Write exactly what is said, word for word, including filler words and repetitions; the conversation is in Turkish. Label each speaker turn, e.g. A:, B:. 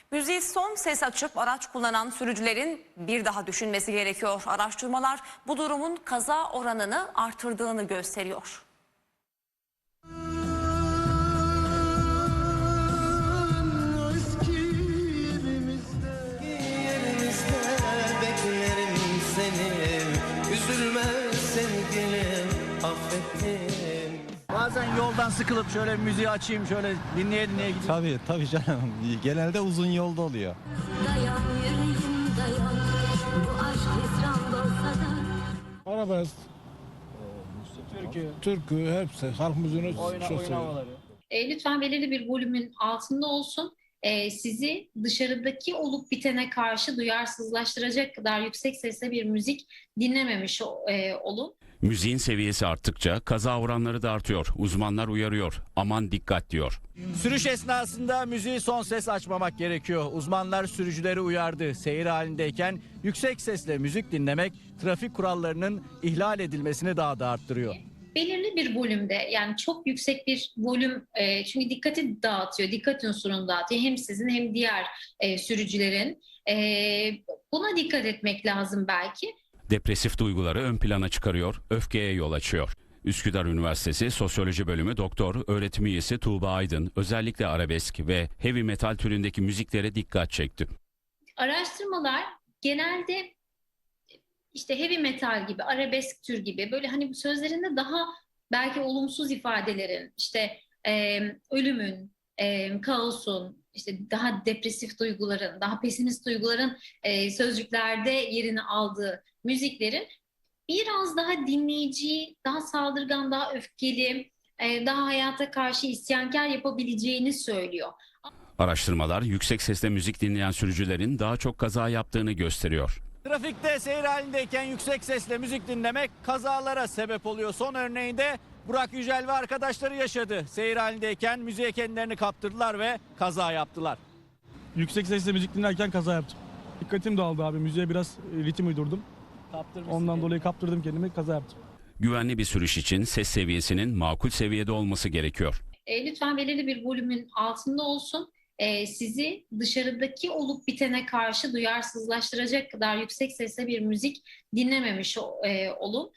A: Müziği son ses açıp araç kullanan sürücülerin bir daha düşünmesi gerekiyor. Araştırmalar bu durumun kaza oranını artırdığını gösteriyor.
B: Bazen yoldan sıkılıp şöyle müziği açayım, şöyle dinleye dinleye gideyim.
C: Tabii tabii canım. Genelde uzun yolda oluyor.
D: Dayan yüreğim dayan, bu aşk hüsran olsa da.
E: Arabesk,
B: Türkü,
E: türkü hepsi halk müziğini
B: oyna,
E: çok
B: oyun
E: seviyorum.
B: havaları.
F: E, lütfen belirli bir volümün altında olsun. E, sizi dışarıdaki olup bitene karşı duyarsızlaştıracak kadar yüksek sesle bir müzik dinlememiş e, olun.
G: Müziğin seviyesi arttıkça kaza oranları da artıyor. Uzmanlar uyarıyor. Aman dikkat diyor.
B: Sürüş esnasında müziği son ses açmamak gerekiyor. Uzmanlar sürücüleri uyardı. Seyir halindeyken yüksek sesle müzik dinlemek trafik kurallarının ihlal edilmesini daha da arttırıyor.
F: Belirli bir volümde, yani çok yüksek bir volüm, e, çünkü dikkati dağıtıyor, dikkat unsurunu dağıtıyor. Hem sizin hem diğer e, sürücülerin. E, buna dikkat etmek lazım belki.
G: Depresif duyguları ön plana çıkarıyor, öfkeye yol açıyor. Üsküdar Üniversitesi Sosyoloji Bölümü Doktor Öğretim Üyesi Tuğba Aydın özellikle arabesk ve heavy metal türündeki müziklere dikkat çekti.
F: Araştırmalar genelde işte heavy metal gibi, arabesk tür gibi böyle hani sözlerinde daha belki olumsuz ifadelerin, işte e, ölümün, e, kaosun, işte daha depresif duyguların, daha pesimist duyguların e, sözcüklerde yerini aldığı müziklerin biraz daha dinleyici, daha saldırgan, daha öfkeli, e, daha hayata karşı isyankar yapabileceğini söylüyor.
G: Araştırmalar yüksek sesle müzik dinleyen sürücülerin daha çok kaza yaptığını gösteriyor.
B: Trafikte seyir halindeyken yüksek sesle müzik dinlemek kazalara sebep oluyor. Son örneğinde Burak Yücel ve arkadaşları yaşadı. Seyir halindeyken müziğe kendilerini kaptırdılar ve kaza yaptılar.
H: Yüksek sesle müzik dinlerken kaza yaptım. Dikkatim dağıldı abi. Müziğe biraz e, ritim uydurdum. Ondan dolayı kaptırdım kendimi, kaza yaptım.
G: Güvenli bir sürüş için ses seviyesinin makul seviyede olması gerekiyor.
F: E, lütfen belirli bir volümün altında olsun. E, sizi dışarıdaki olup bitene karşı duyarsızlaştıracak kadar yüksek sesle bir müzik dinlememiş e, olun.